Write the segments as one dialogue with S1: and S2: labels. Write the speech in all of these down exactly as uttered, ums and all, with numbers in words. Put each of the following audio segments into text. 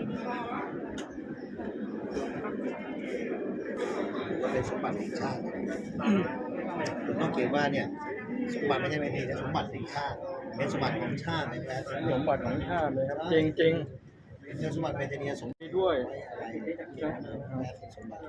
S1: ก็เป็นสมบัติแห่งชาติคุณต้องเขียนว่าเนี่ยสมบัติไม่ใช่ไม่ดีนะสมบัติแห่งชาติเป็นสมบัติของชาติในแท้
S2: สมบัติของชาติเลยครับจริงจริง
S1: เป็นสมบัติเป็นเนียสมบัติ
S2: ด้วย
S1: อะไรที่จะเกี่ยวกับสมบัติ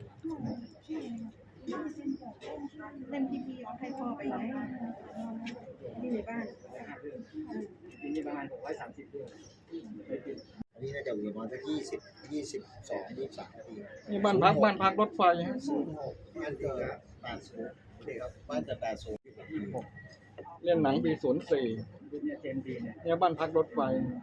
S3: เล่นพีพีเอาให้พ่อไปไหนที่ในบ้าน
S4: นี่ประมาณหกร้อยสามสิบด้วย
S1: อันนี้น่าจะอยู่ประมาณสักยี่สิบยี่สิบสองยี่สิบสามนาที
S2: นี่บ้านพักบ้านพักรถไฟฮะ
S1: บ้านเกิดแปดศูนย์นี่ครับบ้านเกิดแปดศูนย์
S2: เล่นหนังปีศูนย์สี่
S4: เนี่ยเจมดีเนี่ย
S2: เนี่ยบ้านพักรถไฟ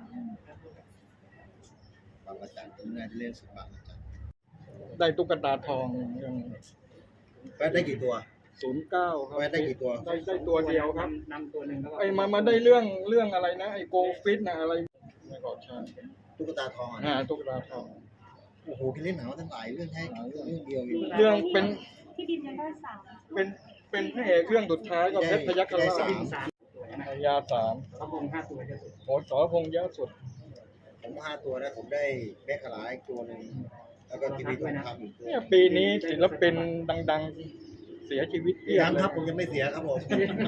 S1: บางประจันตรงนี้เล่นสุดบางประจัน
S2: ได้ตุ๊กตาทองยัง
S1: แวะได้กี่ตัว
S2: ศูนย์เก้าครับ
S1: แวะได้กี่ตัว
S2: ได้ได้ตัวเดียวครับ
S4: นำตัวหนึ่งแล้ว
S2: ไอ้มามาได้เรื่องเรื่องอะไรนะไอ้โกฟิตนะอะไรไม่ก็ใช่
S1: ตุ๊กตาทอง
S2: อ่าตุ๊กตาทอง
S1: โอ้โหคิดเล่นหนังทั้งหลายเรื่องให้เรื่องเดียวอยู่
S2: เรื่องเป็น
S3: ที่ดินยังได้สาม
S2: เป็นเป็นพระเอกเรื่องสุดท้ายก็เพชรพยัคฆ์ราชยาสาม
S4: พระพงษ์ห้าตัวเยอะสุด
S2: โหสรพงษ์เยอะสุด
S1: ผมห้าตัวนะผมได้แม่ขลาอีกตัวหนึ่งแล้วก็ทีวีทองคำอีกตัว
S2: เนี่ยปีนี้ศิลปินดังๆเสียชีวิตเยอะ
S1: ยังครับผมยังไม่เสียครับผม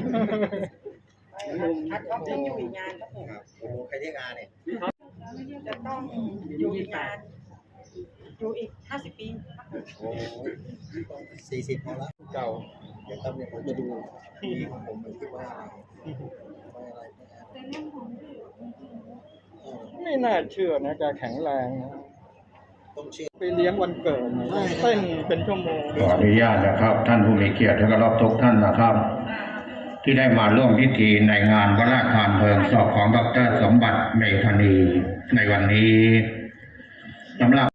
S3: ทัดท็อปยังอยู่อีกงานครับผม
S1: ครับโอ้โหใครที่งานเนี่ย
S3: จะต้องอยู่อีกงานอยู่อีกห้าสิบปี
S1: โอ้สี่สิบพอละ
S2: เก่า
S1: เดี๋ยวต้องเนี่ยผมจะดูที่ของผมมันคิดว่าอะไร
S2: ไม่น่าเชื่อนะแกแข็งแรงนะ
S1: ต้องเชื่อ
S2: ไปเลี้ยงวันเกิดเต้นเป็นชั่วโมง
S5: ขออนุญาตนะครับท่านผู้มีเกียรติและรอบทุกท่านนะครับที่ได้มาร่วมพิธีในงานพระราชทานเพลิงศพของดร.สมบัติเมธานีในวันนี้สำหรับ